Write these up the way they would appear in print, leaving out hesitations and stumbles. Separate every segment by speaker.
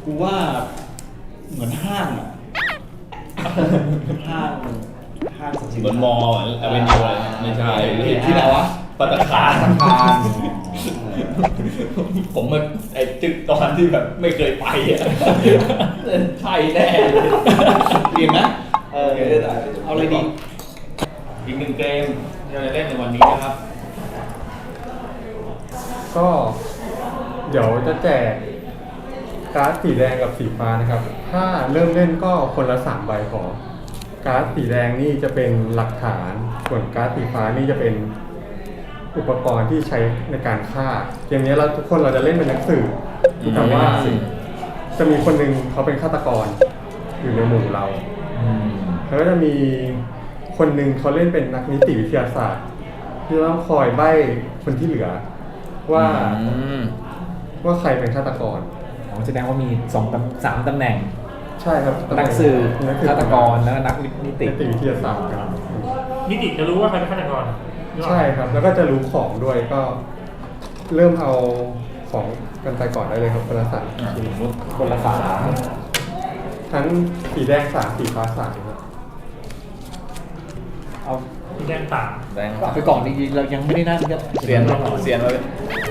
Speaker 1: กูว่าเหมือนห้างอะห้างสรรพสินค้า
Speaker 2: เหมือนมอลล์อเวนยูอะไรไม่ใช่
Speaker 1: ที่ไหนวะ
Speaker 2: ปัตตาคารผมมาไอ้ตึกตอนที่แบบไม่เคยไปอ่ะใช่แน่เลย
Speaker 1: เรียนนะเอาอะไรดี
Speaker 2: อีกหนึ่งเกมที่เราจะเล่นในวันนี้นะครับ
Speaker 3: ก็เดี๋ยวจะแจกการ์ดสีแดงกับสีฟ้านะครับ ถ้าเริ่มเล่นก็คนละ3 ใบพอการ์ดสีแดงนี่จะเป็นหลักฐาน ส่วนการ์ดสีฟ้านี่จะเป็นอุปกรณ์ที่ใช้ในการฆ่าเกมนี้เราทุกคนเราจะเล่นเป็นนักสืบแต่ว่าจะมีคนหนึ่งเขาเป็นฆาตกรอยู่ในหมู่เราแล้วก็จะมีคนหนึ่งเขาเล่นเป็นนักนิติวิทยาศาสตร์ที่ต้องคอยใบ้คนที่เหลือว่าใครเป็นฆาตกร
Speaker 4: แสดงว่ามี3 ตำแหน่ง
Speaker 3: ใช่ครับ
Speaker 4: นักสืบฆาตกรแล้วก็นักนิติ
Speaker 3: วิทยาศาสตร์ครับ
Speaker 5: นิติจะรู้ว่าใครเป็นฆาตกร
Speaker 3: ใช่ครับแล้วก็จะรู้ของด้วยก็เริ่มเอาของกันไปก่อนได้เลยครับคนละ3
Speaker 4: คนละ
Speaker 3: ทั้งสีแดง3สีฟ้า3ครับ
Speaker 4: เอา
Speaker 5: แดงต่าง
Speaker 2: แดง
Speaker 4: ไปก่อนจริงๆเรายังไม่ได้นั่งก็
Speaker 2: เสียนมาเลย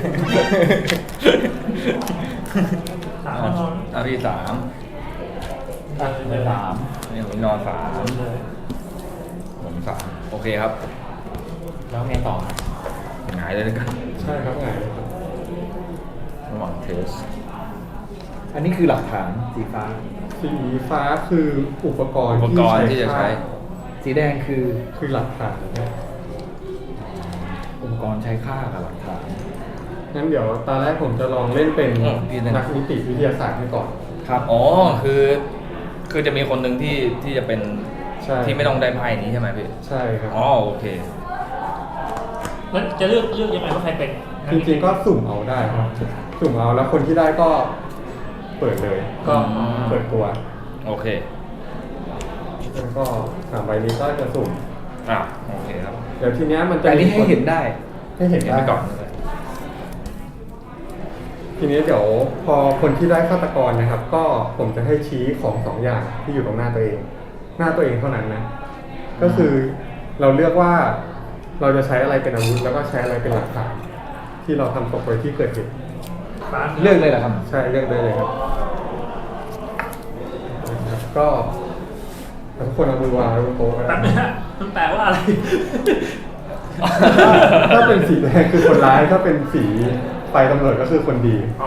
Speaker 5: 3
Speaker 2: ที่3
Speaker 4: ไป3
Speaker 2: นี่ผมนอน3ผม3โอเคครับ
Speaker 4: แล้วไงต่อ
Speaker 2: หงายเลยแล้วกัน
Speaker 3: ใช่ครับไงเลยครับ
Speaker 2: ระหว่างเทส
Speaker 4: อันนี้คือหลักฐานสีฟ้า
Speaker 3: สีฟ้าคืออุปกรณ์
Speaker 2: ที่จะใช้
Speaker 4: สีแดงคือ
Speaker 3: หลักฐานครับ
Speaker 4: อุปกรณ์ใช้ฆ่ากับหลักฐาน
Speaker 3: งั้นเดี๋ยวตอนแรกผมจะลองเล่นเป็นนักนิติวิทยาศาสตร์ให้ก่อน
Speaker 4: ครับ
Speaker 2: อ๋อคือจะมีคนหนึ่งที่จะเป็นที่ไม่ต้องได้ไพ่นี้ใช่ไหมพี่
Speaker 3: ใช่ครับ
Speaker 2: อ๋อโอเค
Speaker 5: แล้วจะเลือกยังไงว่าใครเป็น
Speaker 3: จริงๆก็สุ่มเอาได้ครับสุ่มเอาแล้วคนที่ได้ก็เปิดเลยก็เปิดตัว
Speaker 2: โอเค
Speaker 3: แล้วก็3 ใบนี้ก็จะสุ่ม
Speaker 2: โอเคครับ
Speaker 3: เดี๋ยวทีเนี้ยมันจะ
Speaker 4: แต่นี่ให้เห็นได้
Speaker 3: ให้เห็นได้
Speaker 2: ไปก่อน
Speaker 3: ทีนี้เดี๋ยวพอคนที่ได้ฆาตกรนะครับ ก็ผมจะให้ชี้ของ2 อย่างที่อยู่ตรงหน้าตัวเองเท่านั้นนะก็คือเราเลือกว่าเราจะใช้อะไรเป็นอาวุธแล้วก็ใช้อะไรเป็นหลักฐานที่เราทำตกไปที่เกิดเหตุ
Speaker 4: เลือกเลยเหรอครับ
Speaker 3: ใช่เลือกได้เลยครับก็ทุกคนเอามือวางไว้บนโต๊ะนะ
Speaker 5: ตัดนะมันแปลว่าอะไร
Speaker 3: ถ้าเป็นสีแดงคือคนร้ายถ้าเป็นสีไฟตำรวจก็คือคนดี
Speaker 5: อ๋อ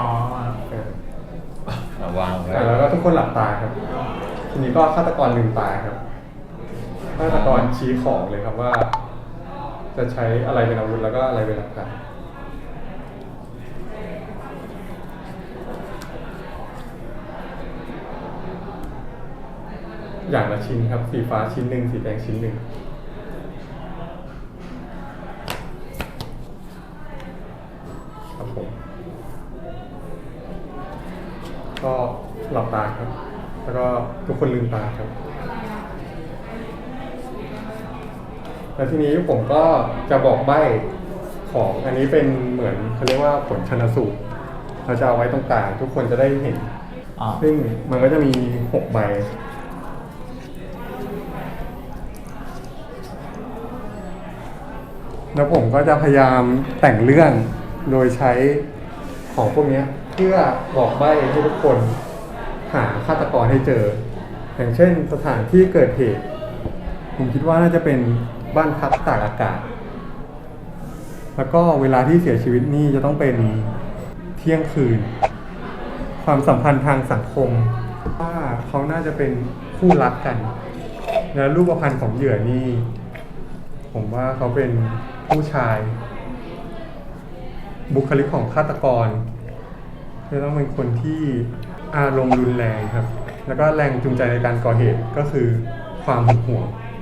Speaker 2: วางไว้
Speaker 3: แล้วก็ทุกคนหลับตาครับทีนี้ก็ฆาตกรลืมตาครับฆาตกรชี้ของเลยครับว่า จะใช้อะไรเป็นอาวุธแล้วก็อะไรเป็นหลักฐานอย่างละชิ้นครับสีฟ้าชิ้นหนึ่งสีแดงชิ้นหนึ่งครับผมก็หลับตาครับแล้วก็ทุกคนลืมตาครับแล้วทีนี้ผมก็จะบอกใบ้ของอันนี้เป็นเหมือนเขาเรียกว่าผลชันสูตรเราจะเอาไว้ตรงกลางทุกคนจะได้เห็นซึ่งมันก็จะมี6 ใบแล้วผมก็จะพยายามแต่งเรื่องโดยใช้ของพวกนี้เพื่อบอกใบ้ให้ทุกคนหาฆาตกรให้เจออย่างเช่นสถานที่เกิดเหตุผมคิดว่าน่าจะเป็นบ้านพักตากอากาศแล้วก็เวลาที่เสียชีวิตนี่จะต้องเป็นเที่ยงคืนความสัมพันธ์ทางสังคมว่าเขาน่าจะเป็นคู่รักกันและรูปพรรณของเหยื่อนี่ผมว่าเขาเป็นผู้ชายบุคลิกของฆาตกรจะต้องเป็นคนที่อารมณ์รุนแรงครับแล้วก็แรงจูงใจในการก่อเหตุก็คือความหึงหวง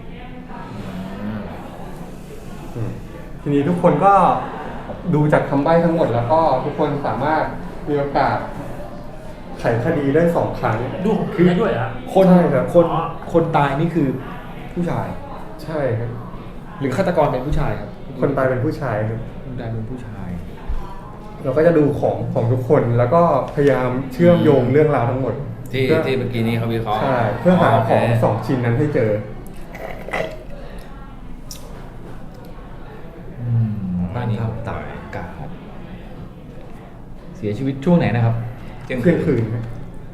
Speaker 3: ทีนี้ทุกคนก็ดูจากคำใบ้ทั้งหมดแล้วก็ทุกคนสามารถมีโอกาสไขคดีได้2 ครั้ง
Speaker 5: ดูคือด้วยอ่ะ
Speaker 4: คนตายนี่คือผู้ชาย
Speaker 3: ใช่ครับ
Speaker 4: หรือฆาตกรเป็นผู้ชายครับ
Speaker 3: คนตายเป็นผู้ชายครับ
Speaker 4: คนตายเป็นผู้ชาย
Speaker 3: เราก็จะดูของทุกคนแล้วก็พยายามเชื่อมโยงเรื่องราวทั้งหมด
Speaker 2: ที่
Speaker 3: เพื่อ
Speaker 2: เมื่อกี้นี้เขาวิเคราะห์
Speaker 3: ใช่เพื่อหา
Speaker 2: โเค
Speaker 3: ของ2ชิ้นนั้นให้เจอ
Speaker 4: บ้านทับตากอากาศเสียชีวิตช่วงไหนนะครับ
Speaker 2: เที่ยง
Speaker 3: เที่ยง
Speaker 2: คื
Speaker 3: คื
Speaker 2: น
Speaker 3: นครับ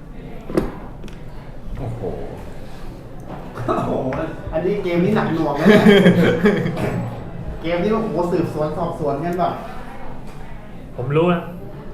Speaker 4: โอ้โห
Speaker 6: โอ้โห อันนี้เกมนี้หนักหน่วงเลยเนี่ยเกมที่ว่าโอ้โหสืบสวนสอบสวนกันแบบ
Speaker 5: ผมรู้นะ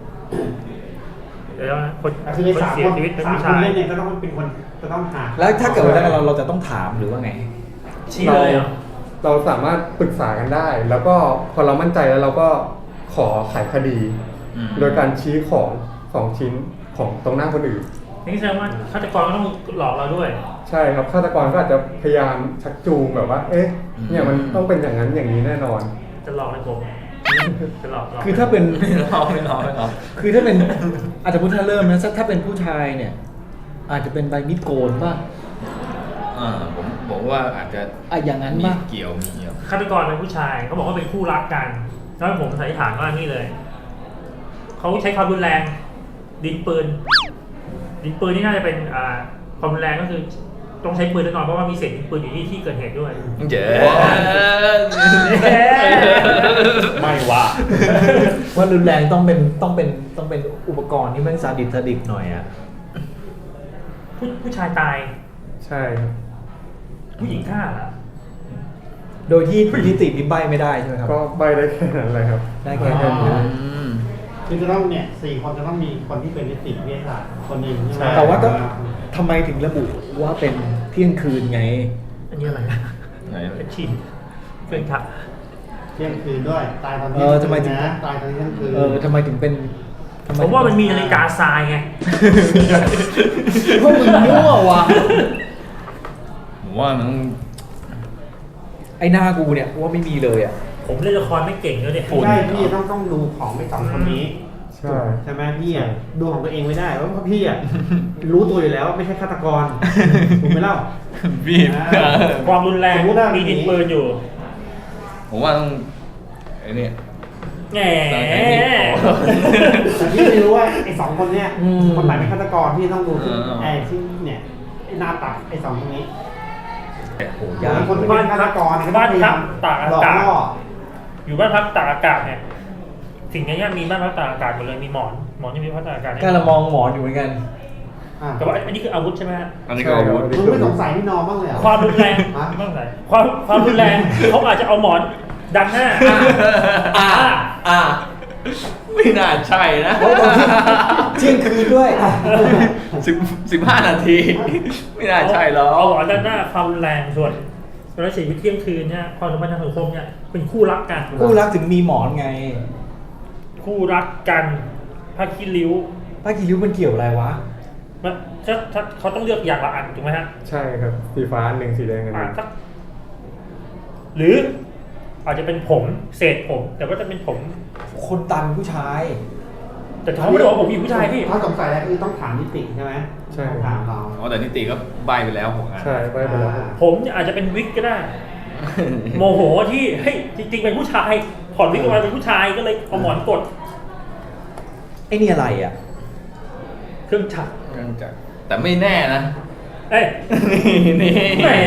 Speaker 5: เดี๋ยวนะคน
Speaker 6: คือใน
Speaker 5: คน
Speaker 6: สาม
Speaker 5: เสีย
Speaker 6: คน
Speaker 5: ชีวิตเป็น
Speaker 6: สาม
Speaker 5: ผู้
Speaker 6: ค
Speaker 5: ชาน ย
Speaker 6: เล่นเนี่ยก็ต้องเป็นคนจะต้องหา
Speaker 4: แล้วถ้าเกิดว่าเราจะต้องถามหรือว่าไง
Speaker 5: ชี้เลยเหรอ
Speaker 3: เราสามารถปรึกษากันได้ แล้วก็พอเรามั่นใจแล้วเราก็ขอไขคดี โดยการชี้ของ2ชิ้นของตรงหน้าคนอื่น
Speaker 5: นี่แสดงว่าฆาตกรก็ต้องหลอกเราด้วย
Speaker 3: ใช่ครับฆาตกรก็อาจจะพยายามชักจูงแบบว่า เอ๊ะเนี่ยมันต้องเป็นอย่างนั้นอย่างนี้แน่นอน
Speaker 5: จะหลอกให้ผมจะหลอก
Speaker 4: คือถ้าเป็น
Speaker 2: ไม่รอ
Speaker 4: คือถ้าเป็นอาจจะพูดถ้าเริ่มนะถ้าเป็นผู้ชายเนี่ย อาจจะเป็นใบมีดโกนป่ะ
Speaker 2: ผมว่าอาจจะ
Speaker 4: อย่างนั้น
Speaker 2: มี
Speaker 4: ป่ะ
Speaker 2: เกี่ยว
Speaker 5: ฆาตกรเป็นผู้ชายเขาบอกว่าเป็นคู่รักกันแล้วผมสันนิษฐานว่านี่เลยเขาใช้ความรุนแรงดินปืนนี่น่าจะเป็นความรุนแรงก็คือต้องใช้ปืนแน่นอนเพราะว่ามีเศษดินปืนอยู่ที่ที่เกิดเหตุด้วย
Speaker 2: เจ๋
Speaker 5: ไม่ว่า
Speaker 4: ว่ารุนแรงต้องเป็นอุปกรณ์ที่แม่งซาดิสหน่อยอ่ะ
Speaker 5: ผู้ชายตาย
Speaker 3: ใช่ครับ
Speaker 5: ผู้หญิงฆ่าเหรอ
Speaker 4: โดยที่นิตินิใบไม่ได้ใช่ไหมครับ
Speaker 3: ก็ใบได้แค่นั้นเลยครับ
Speaker 4: ได้แค่นั้น
Speaker 6: คือจะต้องเนี่ย4 คนจะต้องมีคนที่เป็นนิติวิทยาศาสตร์คนหนึ่งใช่ไหม
Speaker 4: แต่ว่าต้องทำไมถึงระบุว่าเป็นเที่ยงคืนไง
Speaker 5: อันนี้อะไรนะ
Speaker 2: ไหน
Speaker 5: เป็นชีนเป็นขับ
Speaker 6: เที่ยงคืนด้วยตายตอน
Speaker 4: ทำไมถึง
Speaker 6: นะตายตอนเที่ยงคืน
Speaker 4: ทำไมถึงเป็นทำไ
Speaker 5: ผมว่ามันมีนาฬิกาทรายไง
Speaker 4: พวกมึงมั่วว่ะ
Speaker 2: ผมว่ามัน
Speaker 4: ไอ้หน้ากูเนี่ยว่าไม่มีเลยอ่ะ
Speaker 5: ผมเล่นละครไม่เก่งเลยเนี่ย
Speaker 6: ใช่พี่ต้องดูของไม่2คนนี้
Speaker 3: ใช่
Speaker 6: ใช่ไหมพี่อ่ะดูของตัวเองไม่ได้เพราะพี่อ่ะรู้ตัวอยู่แล้วว่าไม่ใช่ฆาตกรถูกไหมเล่า
Speaker 2: บีบ
Speaker 5: ความรุนแรง
Speaker 6: สมมุติว่า
Speaker 5: มีดินปืนอยู่
Speaker 2: ผมว่าต้องไอ้นี่
Speaker 5: แหม
Speaker 6: แต่พี่ไม่รู้ว่าไอ้2คนเนี้ย
Speaker 4: อืม
Speaker 6: คนไหนเป็นฆาตกรพี่ต้องดูที่
Speaker 2: เออ
Speaker 6: ไอ้ที่เนี่ยไอ้หน้าตักไอ้2คนนี้
Speaker 4: โอ้
Speaker 6: อย ย่างคนที่เป็นฆาตกรเนี่ยก็
Speaker 5: บ้าน
Speaker 6: พยายา
Speaker 5: พั
Speaker 6: ม
Speaker 5: กตาก
Speaker 6: หล
Speaker 5: อา
Speaker 6: อก
Speaker 5: กาศ
Speaker 6: ล่อ
Speaker 5: อยู่บ้านพักตากอากาศเนี่ยสิ่งนี้มีบ้านพักตากอากาศหมดเลยมีหมอนยังมีพักตากอากาศ
Speaker 4: การละมองหมอนอยู่เหมือนกัน
Speaker 6: อ่ะ
Speaker 5: แต่ว่าอันนี้คืออาวุธใช่ไหมฮะ
Speaker 2: อันนี้ก็อาวุธ
Speaker 6: มึงไม่สงสัยพี่นอมบ้างเลยเหรอ
Speaker 5: ความรุนแรง
Speaker 6: ฮะ
Speaker 5: ไม่ต้องใส่ความรุนแรงเขาอาจจะเอาหมอนดันหน้า
Speaker 2: ไม่น่าใช่นะ
Speaker 4: เที่ยงคืนด้วย
Speaker 2: 15 นาที ไม่น่าใช่หรอก
Speaker 5: เอาหมอนดันหน้าความรุนแรงส่วนแล้วเสียชีวิตเที่ยงคืนเนี่ยความสัมพันธ์ทางสังคมเนี่ยเป็นคู่รักกัน
Speaker 4: คู่รักถึงมีหมอนไง
Speaker 5: คู่รักกันผ้าขี้ริ้ว
Speaker 4: ป้ากีริ้วมันเกี่ยวอะไรวะ
Speaker 5: มันถ้าเขาต้องเลือกอย่างละอันถูกไหมฮะ
Speaker 3: ใช่ครับสีฟ้าอันหนึ่งสีแดงอันหนึ่ง
Speaker 5: สักหรืออาจจะเป็นผมเศษผม แต่ว่าจะเป็นผม
Speaker 4: คนตันผู้ชาย
Speaker 5: แต่เขาไม่ได้บอกว่าผมมีผู้ชายพี่
Speaker 6: ถ้าสงสัยแล้วคือต้องถามนิติใช่ไหม
Speaker 3: ใช่
Speaker 6: ต้องถามเรา
Speaker 2: อ๋อแต่นิติก็ใบไปแล้วผมอ่ะ
Speaker 3: ใช่ใบไปแล้วครับ
Speaker 5: ผมเนี่ยอาจจะเป็นวิกก็ได้ โมโหที่เฮ้ยจริงๆเป็นผู้ชายถอดวิกออกมาเป็นผู้ชายก็เลยเอาหมอนกด
Speaker 4: ไอ้นี่อะไรอ่ะ
Speaker 5: เครื่องฉัก
Speaker 2: แต่ไม่แน่นะ
Speaker 5: เอ้ย
Speaker 2: นี่
Speaker 5: แหม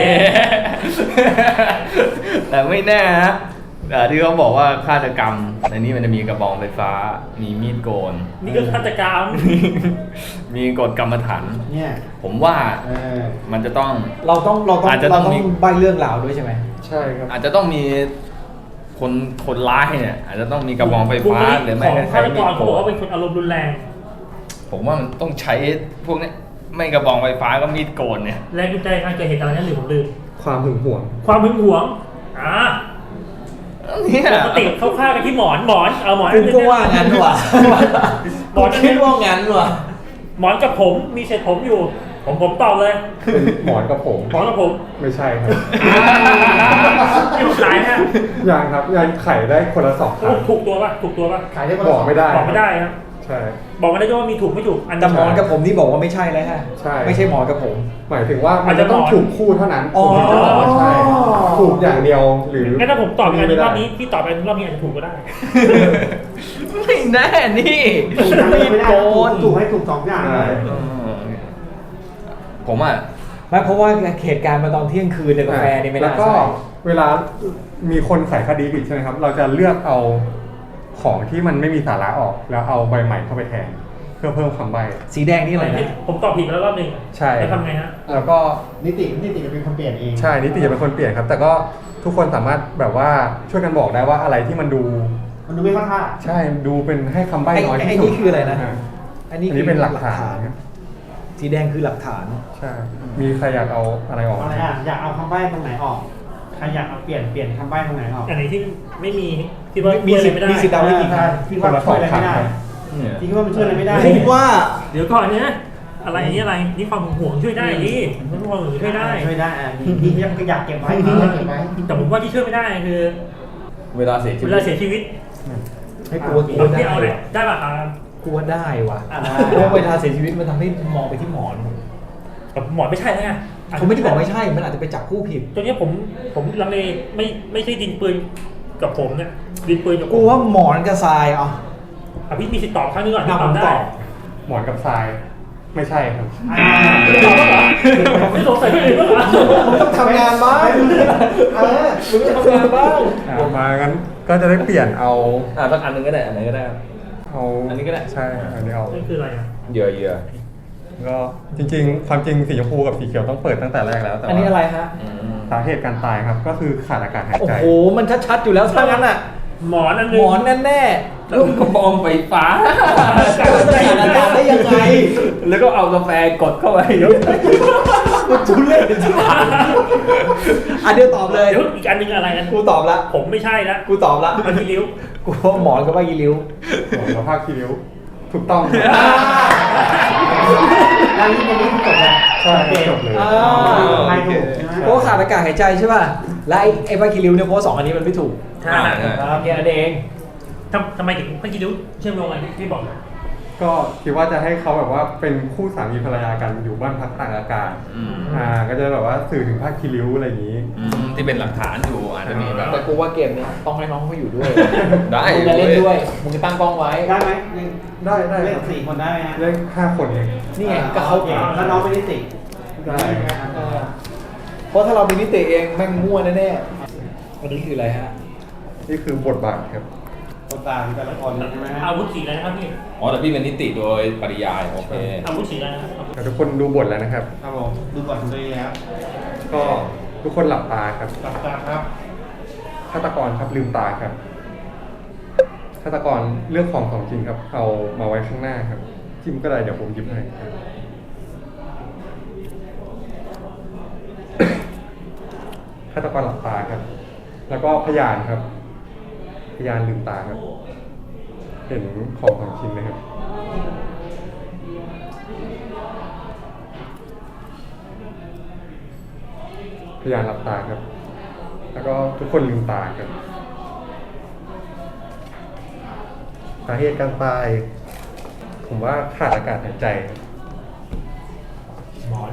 Speaker 2: แต่ไม่แน่นะที่เขาบอกว่าฆาตกรรมในนี้มันจะมีกระบองไฟฟ้า มีมีดโกน
Speaker 5: นี่ก็ฆาตกรรม
Speaker 2: มีกฎกรรมฐาน
Speaker 6: เนี่ย
Speaker 2: ผมว่า
Speaker 6: เออ
Speaker 2: มันจะต้อง
Speaker 4: เราต้อง
Speaker 2: อาจจะต้องมี
Speaker 4: ใบเรื่องราวด้วยใช่ไหม
Speaker 3: ใช่ครับ
Speaker 2: อาจจะต้องมีคนร้ายเนี่ย อาจจะต้องมีกระบองไฟฟ้าหรือไม่
Speaker 5: ของ
Speaker 2: ก็
Speaker 5: ฆา
Speaker 2: ใช้
Speaker 5: ต
Speaker 2: มี
Speaker 5: ก
Speaker 2: ด
Speaker 5: ร
Speaker 2: โก
Speaker 5: เขาบอก
Speaker 2: น
Speaker 5: ว่าเป็นคนอารมณ์รุนแรง
Speaker 2: ผมว่ามันต้องใช้พวกนี้ไม่กระบองไฟฟ้าก็มีดโกนเนี่ย
Speaker 5: แรงจูงใจการเกิดเหตุอะไรนั่นหรือผมลืม
Speaker 3: ความหึงหวง
Speaker 5: ความหึงหวง
Speaker 2: เนี่ย
Speaker 5: ปกติเขาฆ่ากันที่หมอนเอาหมอน
Speaker 4: กูก็ว่างั้นว่ะ
Speaker 5: หมอน
Speaker 4: คิดว่างั้นว่ะ
Speaker 5: หมอนกับผมมีเศษผมอยู่ ผมตอบเลย
Speaker 3: เป็นหมอนกับผม
Speaker 5: หมอนกับผม
Speaker 3: ไม่ใช่ครับ
Speaker 5: ที่ผมตายฮะ
Speaker 3: ยังครับยังไขได้คนละ2ครั้ง
Speaker 5: ถูกตัวป่ะถูกตัวป่ะ
Speaker 6: ขายได้
Speaker 3: บอกไม่ได้
Speaker 5: บอกไม่ได้ครับ
Speaker 3: ใช่
Speaker 5: บอกไม่ได้ด้วยว่ามีถูกไม่ถูกอัน
Speaker 4: แต่หมอนกับผมนี่บอกว่าไม่ใช่แล้วฮะ
Speaker 3: ใช่
Speaker 4: ไม่ใช่หมอนกับผม
Speaker 3: หมายถึงว่ามันจะต้องถูกคู่เท่านั้น
Speaker 4: อ๋อ
Speaker 3: ผมถึงจะบอกว่าใช่ถูกอย่างเดียวหรือ
Speaker 5: งั้นถ้าผมตอบอันนี้รอบ
Speaker 3: ไม่
Speaker 5: นี้
Speaker 3: ได้
Speaker 5: พี่ตอบอันรอบนี้อาจจะถูกก็ได้
Speaker 2: ไม่แน่นี่
Speaker 6: ถูกทั้ง
Speaker 2: มี
Speaker 6: ไม่
Speaker 2: ด
Speaker 6: ได้
Speaker 2: โกน
Speaker 6: ถูกให้ถูกสองอย่างเลย
Speaker 2: ผมอ่ะ
Speaker 4: ไม่เพราะว่าเหตุการณ์มาตอนเที่ยงคืนในกาแฟนี่ไม่
Speaker 3: แล้ว
Speaker 4: น่า
Speaker 3: ก็
Speaker 4: ใช่
Speaker 3: เวลามีคนไขคดีผิดใช่ไหมครับ เราจะเลือกเอาของที่มันไม่มีสาระออก แล้วเอาใบใหม่เข้าไปแทนเพื่อเพิ่มคำใบ้
Speaker 4: สีแดงนี่อะไรนะ
Speaker 5: ผมตอบผิดแล้วรอบหนึ่ง
Speaker 3: ใช่
Speaker 5: แล้วทำไงฮะ
Speaker 3: แล้วก็
Speaker 6: นิติจะเป็นคนเปลี่ยนเอง
Speaker 3: ใช่นิติจะเป็นคนเปลี่ยนครับ แต่ก็ทุกคนสามารถแบบว่าช่วยกันบอกได้ว่าอะไรที่มันดู
Speaker 6: มันดูไม่เข้าท่า
Speaker 3: ใช่ดูเป็นให้คำใบ้น้อยที่
Speaker 4: ไอ้
Speaker 3: สุด
Speaker 4: นี่คืออะไรนะ
Speaker 3: อันนี้เป็นหลักฐานครับ
Speaker 4: สีแดงคือหลักฐาน
Speaker 3: ใช่ มีใครอยากเอาอะไรออก
Speaker 6: อะไรอ่ะอยากเอาคำใบ้ตรงไหนออกใครอยากเอาเปลี่ยนคำใบ้ตรงไหนออก
Speaker 5: อันไหนที่ไม่มีคิดว่า
Speaker 4: มีสิทธิ์
Speaker 5: ไม่ได้
Speaker 4: มีสิทธิ์เดาได้กี่ครั้ง
Speaker 6: ที่ว่าช่วยอะไรไม่ได้ที่ว่ามันช่วยอะไรไม่ได้
Speaker 4: ผมว่า
Speaker 5: เดี๋ยวก่อนเนี่ยอะไรอันนี้อะไรนี่ความห่วงช่วยได้ดิความห่วงช่วยได้
Speaker 6: ช่วยได้อ่ะที่ยังอยากเก็บไว้ที่อยากเก็บไว้
Speaker 5: แต่ผมว่าที่ช่วยไม่ได้คือ
Speaker 2: เวลาเสียชี
Speaker 5: เว
Speaker 2: วิต
Speaker 5: ลาเสียชีวิต
Speaker 4: ให้กลัว
Speaker 5: ผมที่เอาเลยได้ป่ะ
Speaker 4: กลัวได้ว่ะ
Speaker 6: อ่ะได้
Speaker 4: เพราะเวลาเสียชีวิตมันทำให้มองไปที่หมอน
Speaker 5: แต่หมอนไม่ใช่แล้วไง
Speaker 4: เขาไม่ได้บอกไม่ใช่ มันอาจจะไปจับคู่ผิด
Speaker 5: ตัวนี้ผมลังเลไม่ใช่ดินปืนกับผมเนี่ยดินปืนกับผ
Speaker 4: กู
Speaker 5: ม
Speaker 4: ว่าหมอนกับทรายอ่ะ
Speaker 5: พี่มีสิทธิ์ตอบครั้งนึงก่อนที่
Speaker 4: ผ
Speaker 5: ตอ
Speaker 4: ม
Speaker 5: บได้
Speaker 4: ตอบ
Speaker 3: หมอนกับทรายไม่ใช่ครับ
Speaker 5: ไม่สงสัยที่อื่นบ้างเหรอ
Speaker 4: ทำงานบ้าง
Speaker 6: มึง
Speaker 4: ทำงานบ้าง
Speaker 3: มางั้นก็จะได้เปลี่ยนเอา
Speaker 2: สักอันหนึงก็ได้อันไหนก็ได้ครับ
Speaker 3: เอา
Speaker 2: อันนี้ก็ได้
Speaker 3: ใช่อันนี้เอา
Speaker 5: นั่นคืออะไรอ่ะ
Speaker 2: เหยื่อ
Speaker 3: ก็จริงๆ ความจริงสีชมพูกับสีเขียวต้องเปิดตั้งแต่แรกแล้วแต่
Speaker 4: อันนี้อะไรฮะ
Speaker 3: สาเหตุการตายครับ ก็คือขาดอากาศหาย
Speaker 4: โอ้
Speaker 3: ใจ
Speaker 4: โห มันชัดๆอยู่แล้วถ้างั้นอ่ะ
Speaker 5: หมอนอัน
Speaker 4: ห
Speaker 5: นึ
Speaker 4: ม
Speaker 5: ง
Speaker 4: อนแน่
Speaker 2: แล้วกระบองไฟฟ้า
Speaker 4: ๆจะขาดอากาศได้ยังไง
Speaker 2: แล้วก็เอากาแฟกดเข้าไป
Speaker 4: มันทุเรศจริงๆอันเดียวตอบเลย
Speaker 5: เดี๋ยวอีกอันนึงอะไรกัน
Speaker 4: กูตอบละ
Speaker 5: ผมไม่ใช่ละ
Speaker 4: กูตอบละ
Speaker 5: มันมีริ้ว
Speaker 4: กูว่าหมอนกับว่ายีริ้ว
Speaker 3: แล้วภาพคีริ้วถูกต้อง
Speaker 6: แล้วนี่เป็นเรื่องที่จบแล้ว
Speaker 3: ใช่จบเลย
Speaker 4: อ่า
Speaker 6: ไม่ถูกใช่ไหม
Speaker 4: เพราะว่าขาดอากาศหายใจใช่ป่ะ และไอ้ว่ายีริ้วเนี่ยเพราะว่าสองอันนี้มันไม่ถูก
Speaker 5: ใช่
Speaker 4: แค่นั้นเอง
Speaker 5: ทำไมถึงเมื่อกี้ริ้วเชื่อมโยงอะไรที่บอก
Speaker 3: ก็คิดว่าจะให้เขาแบบว่าเป็นคู่สามีภรรยากันอยู่บ้านพักตากอากาศก็จะแบบว่าสื่อถึงภาคคีริ้วอะไรอย่างนี้
Speaker 2: ที่เป็นหลักฐานอยู่อาจจะมีแบบ
Speaker 4: แต่กูว่าเกมเนี้ยต้องให้น้องเขาอยู่ด้วย
Speaker 2: ได้
Speaker 4: มึงจะเล่นด้วย มึงจะตั้งกล้องไว้
Speaker 6: ได้ไหม
Speaker 3: ได้ได้
Speaker 6: เล่
Speaker 3: คน รับ
Speaker 6: 4 คนได้ไหมฮะ
Speaker 3: เล่น5 คนเอง
Speaker 4: นี่ไงก็เขา
Speaker 6: โอคแล้วน้องเป็นนิติ
Speaker 3: ได้
Speaker 4: เออเพราะถ้าเราเป็นนิติเองแม่งมั่วแน่ๆอันนี้คืออะไรฮะ
Speaker 3: นี่คือบทบาทครับ
Speaker 6: คนต่างแต่ละคนใช่ไหมฮะ
Speaker 5: อาวุธสีอะไรนะครับพี่
Speaker 2: อ๋อแต่พี่เป็นนิติโดยปริยายโอเค
Speaker 5: อาวุธสีอะไรนะครับ
Speaker 3: แต่ทุกคนดูบทแล้วนะครับ
Speaker 6: ครับผมดูก่อนตัวเองแล้ว
Speaker 3: ก็ทุกคนหลับตาครับ
Speaker 6: หลับตาครับ
Speaker 3: ฆาตกรครับลืมตาครับฆาตกรเลือกของจริงครับ เอามาไว้ข้างหน้าครับจิ้มก็ได้เดี๋ยวผมหยิบให้ครับฆาตกรหลับตาครับ แล้วก็พยานครับ พยานลืมตาครับ เห็นของชิ้นไหมครับพยานหลับตาครับ แล้วก็ทุกคนลืมตาครับสาเหตุการตาย ผมว่าขาดอากาศหายใจครับ
Speaker 5: หมอน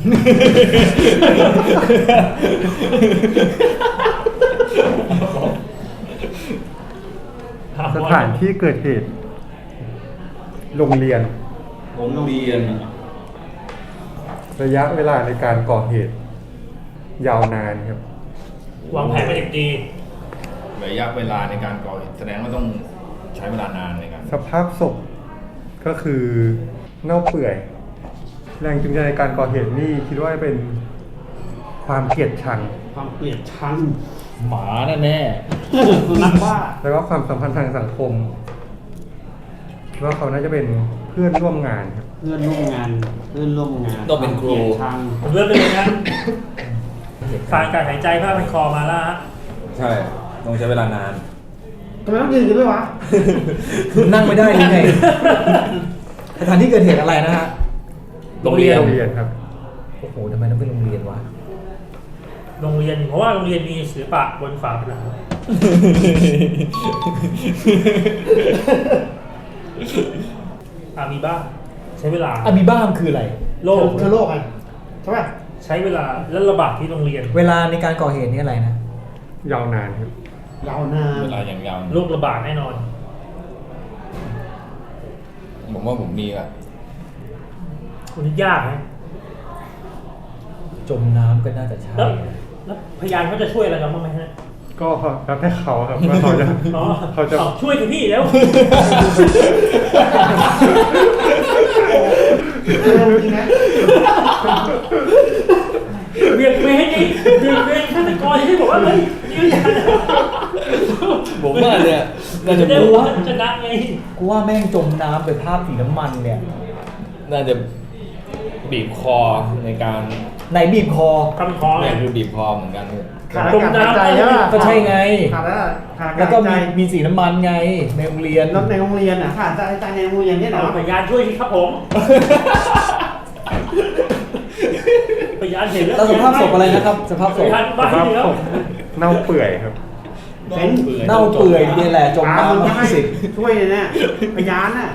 Speaker 3: สถานที่เกิดเหตุ โรงเรียน
Speaker 2: ผมเรียน
Speaker 3: ระยะเวลาในการก่อเหตุ ยาวนานครับ
Speaker 5: วางแผนมาอย่างดี
Speaker 2: ระยะเวลาในการก่อเหตุแสดงว่าต้องใช้เวลานานในการ
Speaker 3: สภาพศพก็คือเน่าเปื่อย แรงจูงใจในการก่อเหตุนี่คิดว่าเป็นความเกลียดชัง
Speaker 6: ความเกลียดชัง
Speaker 4: หมาแน่
Speaker 6: สุนัขบ้า
Speaker 3: แล้วก็ความสัมพันธ์ทางสังคมคิดว่าเขาน่าจะเป็นเพื่อนร่วมงานครับ
Speaker 6: เพื่อนร่วมงาน
Speaker 2: ต้องเป็นครู
Speaker 6: วามกลียดชัง
Speaker 5: ผมเลือกไปเลยนะสายการหายใจผ้าพันคอมาแล้วฮะ
Speaker 2: ใช่ต้องใช้เวลานาน
Speaker 6: ทำไมต้องยืนกันด้วยวะ
Speaker 4: ๆ นั่งไม่ได้หรือไง สถานที่เกิดเหตุอะไรนะฮะ
Speaker 5: โรงเรียน
Speaker 3: โรงเรียนครับ
Speaker 4: โอ้โหทำไมต้องเป็นโรงเรียนวะ
Speaker 5: โรงเรียนเพราะว่าโรงเรียนมีศิลปะบนฝาผนังมีบ้างใช้เวลา
Speaker 4: อะมีบ้ามคืออะไร
Speaker 5: โลก
Speaker 6: เชื้อโรคไงใช่ป่ะ
Speaker 5: ใช้เวลาและระบาดที่โรงเรียน
Speaker 4: เวลาในการก่อเหตุนี่อะไรนะ
Speaker 3: ยาวนานครับ
Speaker 6: ยาวนาน
Speaker 2: เวลาอย่างยาว
Speaker 5: โรคระบาดแน่นอน
Speaker 2: ผมว่าผมมีอ่ะ
Speaker 5: คุณยากนะ
Speaker 4: จมน้ำก็น่าจะใช่
Speaker 5: แล้วพยานเขาจะช่วยอะไรเราบ้างไหมฮะ
Speaker 3: ก็แล้วแต่เขาครับว่าเขาจะ
Speaker 5: อ๋อ
Speaker 3: เขาจะ
Speaker 5: ช่วยสิพี่แล้ว
Speaker 6: เริ่มจริงนะ
Speaker 5: เวียนเวียนนี่เวียนเวียนฆาตกรที่บอกว่าเฮ้ยยืนยัน
Speaker 2: ผมว่าเนี่ยน่าจะ
Speaker 5: จะได้ว่าชนะไง
Speaker 4: กูว่าแม่งจมน้ำเป็นภาพสีน้ำมันเนี่ย
Speaker 2: น่าจะบีบคอในการ
Speaker 4: ไหนบีบคอ
Speaker 5: คำคอเล
Speaker 2: เนี่ย ยคือบีบคอเหมือนกัน
Speaker 6: ขาดอากาศหายใจใช่ป่ะ
Speaker 4: ก็ใช่ไง
Speaker 6: ขาดแล้วขาดอา
Speaker 4: แล้ว
Speaker 6: กา
Speaker 4: ก็
Speaker 6: ศหายใจ
Speaker 4: มีสีน้ำมันไงในโรงเรียน
Speaker 6: แล้วในโรงเรียนอ่ะขาดใจในโรงเรียนเนี่ย
Speaker 5: เอา
Speaker 6: เนาะ
Speaker 5: พยานช่วยสิครับผมพยานเห็นแล้ว
Speaker 4: แล้วสภาพศพอะไรนะครับ สภาพศ
Speaker 5: พ
Speaker 4: พ
Speaker 5: ยาน
Speaker 3: ส
Speaker 5: บ้า
Speaker 3: ภาพ
Speaker 5: แล้
Speaker 3: ศ
Speaker 5: ว
Speaker 3: พเน่าเปื่อยครับ
Speaker 6: เป็น
Speaker 4: เน่าเปื่อยเนี่ยแหละจม
Speaker 6: มึง
Speaker 4: น้ำ
Speaker 6: ก็ให้
Speaker 4: สิ
Speaker 6: ช่วยเลยเนี่ยพยานน่ะ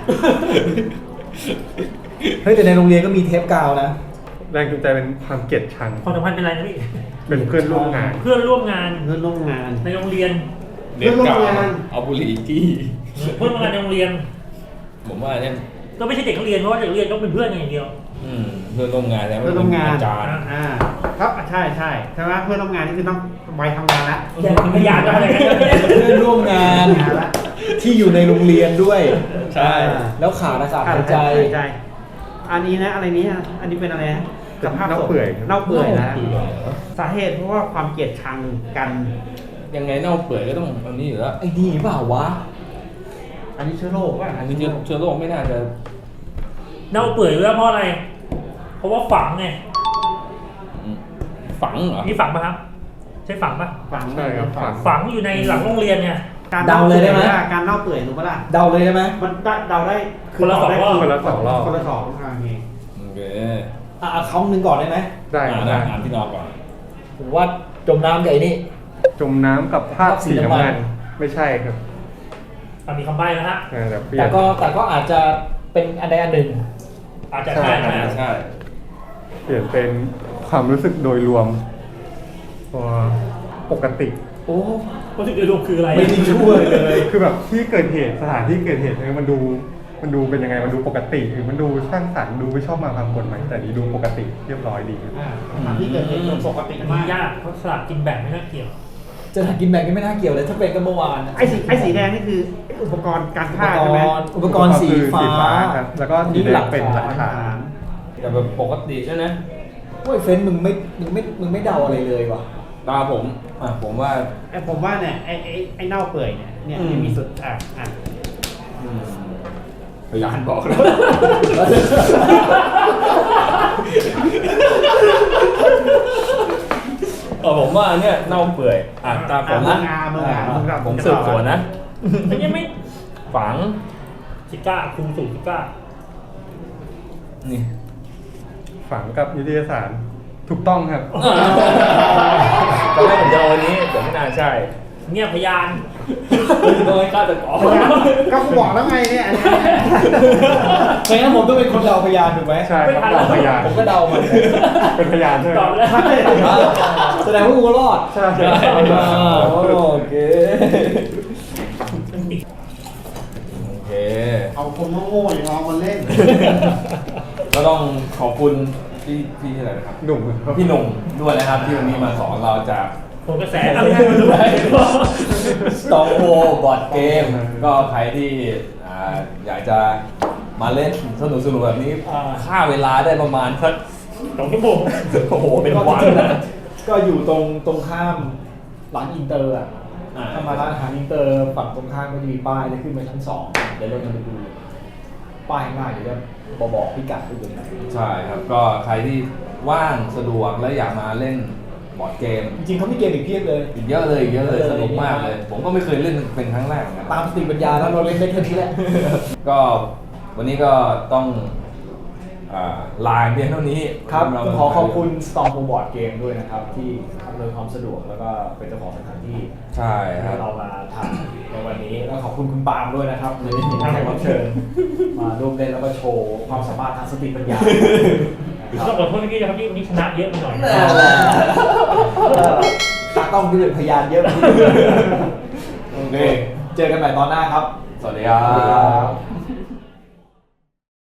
Speaker 4: เฮ้ยแต่ในโรงเรียนก็มีเทปกาวนะ
Speaker 3: แรงจูงใจเป็นความเกลียดชัง
Speaker 5: ความสัมพันธ์เป็นไรนะพี่
Speaker 3: เป็นเพื่อนร่วมงาน
Speaker 5: เพื่อนร่วมงาน
Speaker 6: เพื่อนร่วมงาน
Speaker 5: ในโรงเรียน
Speaker 2: เด็กเก่า
Speaker 6: เรื่องโรงงาน
Speaker 2: เอาบุหรี่จี้
Speaker 5: เพื่อนร่วมงานในโรงเรียน
Speaker 2: ผมว่าเนี่ย
Speaker 5: ก็ไม่ใช่เด็กนักเรียนเพราะว่าเด็กนักเรียนต้องเป็นเพื่อนกันอย่างเดียว
Speaker 2: เพื่อนร่วมงานแล้ว
Speaker 6: เพื่อนร่วมงาน
Speaker 2: อาจารย์
Speaker 6: ครับใช่ใช่ไหมเพื่อนร่วมงานนี่คือต้องไปทำงานละ
Speaker 5: แต่พยานจะอะไรกันเนี่ย
Speaker 4: เพื่อนร่วมงาน
Speaker 6: งานละ
Speaker 4: ที่อยู่ในโรงเรียนด้วย
Speaker 2: ใช่
Speaker 4: แล้วขาดอากาศ
Speaker 6: ขาด
Speaker 4: หายใจ
Speaker 6: ใจ อันนี้นะอะไรนี้อ่ะอันนี้เป็นอะไรนะสภาพศพ
Speaker 3: เน่าเปื่อยครับ
Speaker 6: เน่าเปื่อยนะ
Speaker 4: เน่าเปื่อย
Speaker 6: สาเหตุเพราะว่าความเกลียดชังกัน
Speaker 2: ยังไงเน่าเปื่อยก็ต้องอันนี้อยู่แล้ว
Speaker 4: ไอ้นี่เปล่าวะ
Speaker 6: อันนี้เชื้อโรคป่ะ
Speaker 2: อันนี้เชื้อโรคไม่น่าจะ
Speaker 5: เน่าเปื่อยด้วยเพราะอะไร เพราะว่าฝังไง
Speaker 2: ฝังเหรอ
Speaker 5: นี่ฝังปะครับ ใช่ฝังปะ
Speaker 6: ฝัง
Speaker 3: ใช่ครับฝัง
Speaker 5: ฝังอยู่ในหลังโรงเรียนเนี่ย
Speaker 6: การ
Speaker 4: เดาเลยได้ไหม
Speaker 6: การเน่าเปื่อยรู้ปะล่ะ
Speaker 4: เดาเลยได้ไหม
Speaker 6: มันเดาได้
Speaker 5: คนละสองรอบ
Speaker 3: คนละสองรอบ
Speaker 6: คนละสองโอเค
Speaker 2: โอเค
Speaker 4: เอาคำหนึ่งก่อนได้ไหม
Speaker 3: ได้
Speaker 2: อ่าน
Speaker 3: ได้
Speaker 2: อ่านพี่นอก่อน
Speaker 4: ผมว่าจมน้ำใหญ่นี่
Speaker 3: จมน้ำกับภาพสีน้ำเงินไม่ใช่ครับ
Speaker 5: มีคำใบ้นะฮะ
Speaker 3: แต่เปลี่ย
Speaker 4: แต่
Speaker 3: น
Speaker 4: ก็อาจจะเป็นอันใดอันหนึ่ง
Speaker 5: อาจจะใช่
Speaker 3: ใช่
Speaker 5: ใช่
Speaker 2: ใช่
Speaker 3: เปลี่ยนเป็นความรู้สึกโดยรวมปกติ
Speaker 4: โอ้
Speaker 5: รู้สึกโดยรวมคืออะไร
Speaker 4: ไม่ได้ช่วยเลย
Speaker 3: คือแบบที่เกิดเหตุสถานที่เกิดเหตุเนี่ยมันดูเป็นยังไงมันดูปกติหรือมันดูสร้างสรรค์ดูไม่ชอบมาพากลไหมแต่นี้ดูปกติเรียบร้อยดีครับ
Speaker 6: สถานที่เกิดเหตุปกติ
Speaker 5: มัน
Speaker 6: มาก
Speaker 5: ยากเพราะสลากกินแบ่งไม่น่าเกี่ยว
Speaker 4: จะถักกินแบ่งก็ไม่น่าเกี่ยวเลยถ้าเป็นกันเมื่อวานนะ
Speaker 6: ไอ้สีแดงนี่คืออุปกรณ์การฆ่าใช่ไหม
Speaker 4: อุปกรณ์สีฟ้า
Speaker 3: ครับแล้วก็สีแดงเป็นหลักฐาน
Speaker 2: แต่แบบปกติใช่ไหม
Speaker 4: โอ้ยเฟ้นมึงไม่เดาอะไรเลยว่ะ
Speaker 2: ตาผมผมว่า
Speaker 6: ผมว่าเนี่ยไอ้เน่าเปื่อยเนี่ยยังมีสุด
Speaker 2: พยานบอกแล้วผมว่าเนี่ยเน่าเปื่อยตามผมนะผมสืบสวนนะ
Speaker 5: อันนี้ไม่
Speaker 2: ฝัง
Speaker 5: ซิก้าครูสูงซิก้า
Speaker 2: นี่
Speaker 3: ฝังกับนิตยสารถูกต้องครับ
Speaker 2: ตอนแรกผมจะเอาอันนี้แต่ไม่น่าใช่
Speaker 5: เงียบพยาน
Speaker 2: โดยฆาตกร
Speaker 6: ก็บอกแล้วไงเนี่ย
Speaker 4: ไม่งั้นผมต้องเป็นคนเดาพยานถูกไหม
Speaker 3: ใช่ครับเราพยาน
Speaker 4: ผมก็เดามัน
Speaker 3: เป็นพยานใช่ไหม
Speaker 5: ตอบแล้ว
Speaker 4: แสดงว่ากูรอด
Speaker 3: ใช่
Speaker 4: โอเค
Speaker 2: โอเค
Speaker 6: เอาคนโง่ๆอย่างเรามาเล่น
Speaker 2: ก็ต้องขอบคุณพี่อะไรนะครับ
Speaker 3: หนุ่มครับ
Speaker 2: พี่หนุ่มด้วยนะครับที่วันนี้มาสอนเราจาก
Speaker 5: ผมกระแสอะไรไม่รู้
Speaker 2: Strong w o rบอร์ดเกมก็ใครที่อยากจะมาเล่นสนุกๆแบบนี้ค่าเวลาได้ประมาณสัก
Speaker 5: 2 ชั่วโมง
Speaker 2: โอ้โหเป็นวันนะ
Speaker 4: ก็อยู่ตรงข้ามร้านอินเตอร์อ่ะถ้ามาร้านอาหารอินเตอร์ฝั่งตรงข้ามก็จะมีป้ายแล้วขึ้นมาชั้น 2เดี๋ยวเราจะไปดูป้ายข้างหน้าเดี๋ยวจะบอกพิกัดด้วยนะ
Speaker 2: ใช่ครับก็ใครที่ว่างสะดวกและอยากมาเล่นบอร์ดเกม
Speaker 4: จริงๆเขามีเกมอีกเพียบเลย
Speaker 2: อีกเยอะเลยสนุกมากเลย ผมก็ไม่เคยเล่นเป็นครั้งแรกเหมือนกัน
Speaker 4: ตามสติปัญญาแล้วเราเล่นได้แค่นี้แหละ
Speaker 2: ก็วันนี้ก็ต้องลาเพียงเท่านี้
Speaker 4: ครับ
Speaker 2: เรา
Speaker 4: ขอขอบคุณ Storm Board Game ด้วยนะครับ ที่อำนวยความสะดวกแล้วก็เป็นเจ้าของสถานที่
Speaker 2: ใช่ค
Speaker 4: ให้
Speaker 2: รับ
Speaker 4: เรามาถ่ายในวันนี้แล้วขอบคุณคุณปาล์มด้วยนะครับในที่แขกรับเชิญมาร่วมเล่นแล้วก็โชว์ความสามารถทางสติปัญญา
Speaker 5: ต้องขอโทษพี่นะครับที่วันนี้ชนะเยอะไปหน่อย
Speaker 4: ตากล้องที่เป็นพยานเยอะกว่าที่
Speaker 2: โอเค
Speaker 4: เจอกันใหม่ตอนหน้าครับ
Speaker 2: สวัสดีครับ